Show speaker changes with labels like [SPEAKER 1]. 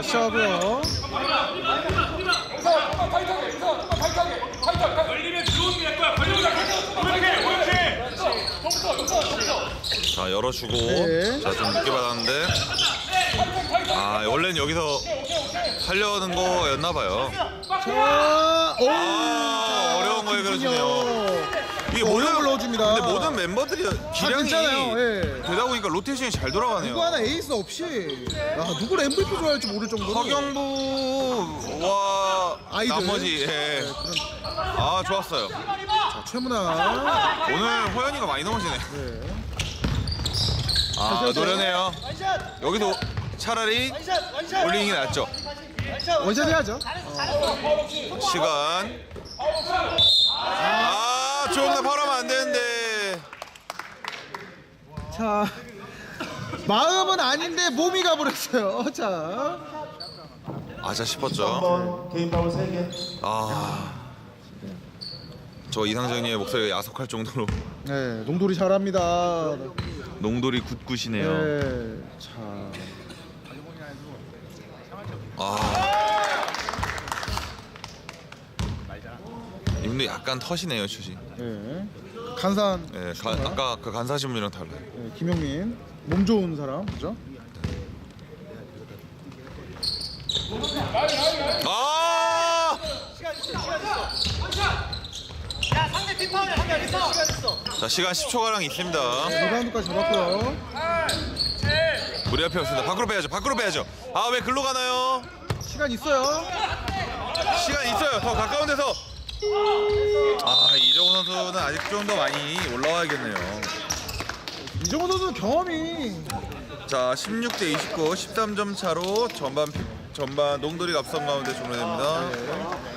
[SPEAKER 1] 시작하고요.
[SPEAKER 2] 자, 열어주고.
[SPEAKER 1] 네.
[SPEAKER 2] 자, 좀 늦게 받았는데. 아, 원래는 여기서 하려는 거였나봐요.
[SPEAKER 1] 자, 오,
[SPEAKER 2] 어려운 거에 그러시네요. 이게
[SPEAKER 1] 어려운 걸 넣어줍니다.
[SPEAKER 2] 근데 모든 멤버들이 기량이
[SPEAKER 1] 괜찮아요. 예.
[SPEAKER 2] 되다 보니까 로테이션이 잘 돌아가네요.
[SPEAKER 1] 누구 하나 에이스 없이 누구를 MVP 좋아할지 모를 정도로
[SPEAKER 2] 허경부와
[SPEAKER 1] 아이들.
[SPEAKER 2] 나머지
[SPEAKER 1] 네,
[SPEAKER 2] 아, 좋았어요.
[SPEAKER 1] 자, 최문아.
[SPEAKER 2] 오늘 호연이가 많이 넘어지네.
[SPEAKER 1] 네.
[SPEAKER 2] 아, 노련해요. 여기도 차라리 올링이 낫죠.
[SPEAKER 1] 원샷 해야죠.
[SPEAKER 2] 시간. 아, 조금 더 바라면 안 되는데.
[SPEAKER 1] 자, 마음은 아닌데 몸이 가버렸어요. 자,
[SPEAKER 2] 아자 싶었죠.
[SPEAKER 3] 개인 파울 3개.
[SPEAKER 2] 아, 저 이상정님의 목소리가 야속할 정도로
[SPEAKER 1] 네, 농돌이 잘합니다.
[SPEAKER 2] 농돌이 굿굿이네요.
[SPEAKER 1] 네, 자,
[SPEAKER 2] 이분도 약간 터시네요, 슛이.
[SPEAKER 1] 네, 간산.
[SPEAKER 2] 네, 아까 그 간사신 분이랑 달라요.
[SPEAKER 1] 네, 김용민, 몸 좋은 사람, 그죠?
[SPEAKER 2] 아! 자, 시간 10초가량 있습니다.
[SPEAKER 1] 리바운드까지 잡았고요.
[SPEAKER 2] 우리 앞에 없습니다. 밖으로 빼야죠. 밖으로 빼야죠. 아, 왜 글로 가나요?
[SPEAKER 1] 시간 있어요.
[SPEAKER 2] 시간 있어요. 더 가까운 데서. 아, 이정우 선수는 아직 좀 더 많이 올라와야겠네요.
[SPEAKER 1] 이정호 선수 경험이.
[SPEAKER 2] 자, 16대 29, 13점 차로 전반 농돌이 앞선 가운데 종료됩니다.
[SPEAKER 1] 네.